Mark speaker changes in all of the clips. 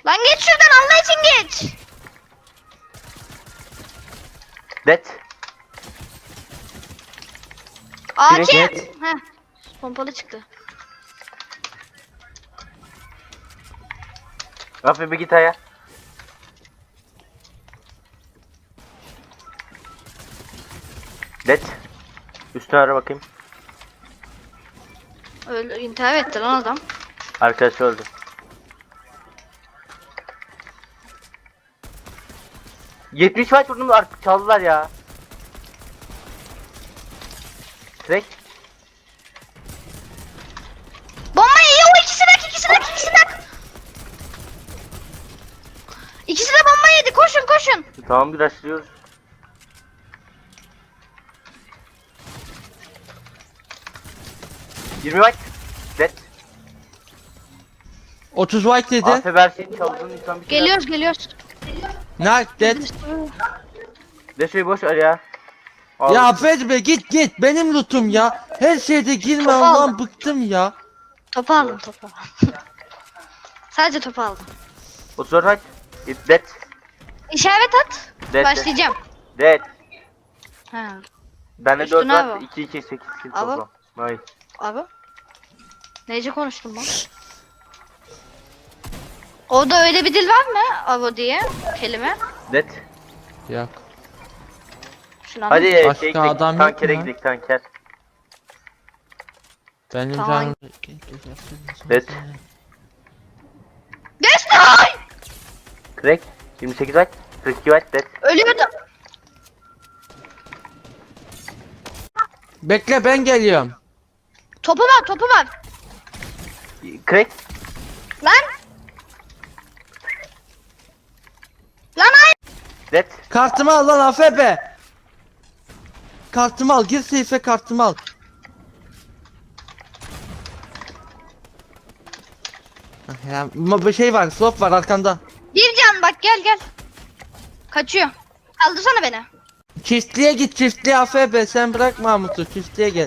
Speaker 1: Lan geç şuradan Allah için geç.
Speaker 2: Dead.
Speaker 1: AK.
Speaker 2: Direkt.
Speaker 1: Heh. Pompalı çıktı.
Speaker 2: Rafi bir git aya. Dead. Üstüne ara bakayım.
Speaker 1: Öyle intihar etti lan adam.
Speaker 2: Arkadaşı öldü. ...70 fight vurdum artık çaldılar ya. Direkt.
Speaker 1: Bombayı yiyor o ikisi de. İkisi de bomba yedi koşun.
Speaker 2: Tamam bir rushlıyoruz. ...20 fight. Dead.
Speaker 3: 30 white dedi.
Speaker 2: Afe her şeyi çaldığın insan bir şey.
Speaker 1: Geliyoruz.
Speaker 3: Nice dead.
Speaker 2: De şey boş ver ya.
Speaker 3: Ya affet be git benim lootum ya. Her şeyde girme
Speaker 1: Topu
Speaker 3: Allah'ım
Speaker 1: aldım.
Speaker 3: bıktım ya.
Speaker 1: Topu aldım. Sadece topu aldım.
Speaker 2: 34 fight. Dead.
Speaker 1: İşaret at.
Speaker 2: Dead.
Speaker 1: Başlayacağım.
Speaker 2: Dead.
Speaker 1: Ha.
Speaker 2: Bende
Speaker 1: Üstüne
Speaker 2: 4 var.
Speaker 1: abi.
Speaker 2: 2 2 8 kill
Speaker 1: Abi.
Speaker 2: toplam. Nice.
Speaker 1: Abi. Neyce konuştum lan? Orada öyle bir dil var mı? Avo diye kelime.
Speaker 2: Dead.
Speaker 3: Yok.
Speaker 1: Şunu
Speaker 2: Hadi
Speaker 1: anlat.
Speaker 3: Başka
Speaker 2: şey gidelim.
Speaker 3: adam yok
Speaker 2: Tankere
Speaker 3: mu?
Speaker 2: gidelim tanker.
Speaker 3: Benim
Speaker 1: Tamam.
Speaker 3: canım.
Speaker 2: Dead.
Speaker 1: Geçti.
Speaker 2: Crack. 28 fight. 42 fight. Dead.
Speaker 1: Ölüyordu.
Speaker 3: Bekle ben geliyorum.
Speaker 1: Topu var.
Speaker 2: Crack.
Speaker 1: Lan. Lan hayır.
Speaker 2: Dead.
Speaker 3: Kartımı al lan AFB. Kartımı al gir seyfe kartımı al. Ah ya, bir şey var slot var arkanda.
Speaker 1: Bir can bak gel. Kaçıyor. Kaldırsana beni.
Speaker 3: Çiftliğe git çiftliğe AFB sen bırak Mahmut'u çiftliğe gel.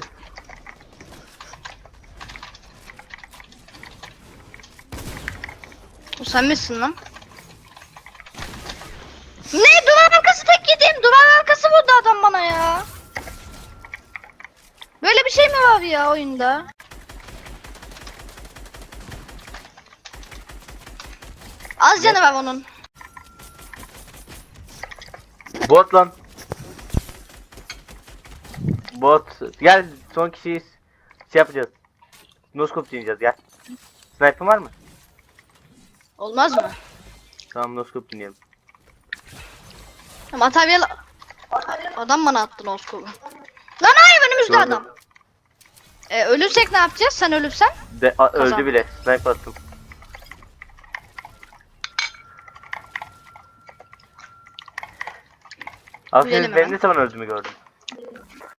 Speaker 1: O sen misin lan? Ne? Duvar arkası tek yedim. Duvar arkası vurdu adam bana ya. Böyle bir şey mi var ya oyunda? Az canı var onun.
Speaker 2: Bot lan. Bot. Gel son kişiyiz. Şey yapacağız. Noskop dinleyeceğiz gel. Sniper var mı?
Speaker 1: Olmaz mı?
Speaker 2: Tamam noskop dinleyelim.
Speaker 1: Materyal... Adam bana attı noskobu. Lan hayır önümüzde
Speaker 2: Gördüm.
Speaker 1: adam. Ölürsek ne yapacağız? Sen ölürsen?
Speaker 2: Öldü
Speaker 1: Kazan.
Speaker 2: bile. Sniper attım.
Speaker 1: Gülelim
Speaker 2: Aferin benim
Speaker 1: hemen.
Speaker 2: ne zaman öldüğümü gördüm.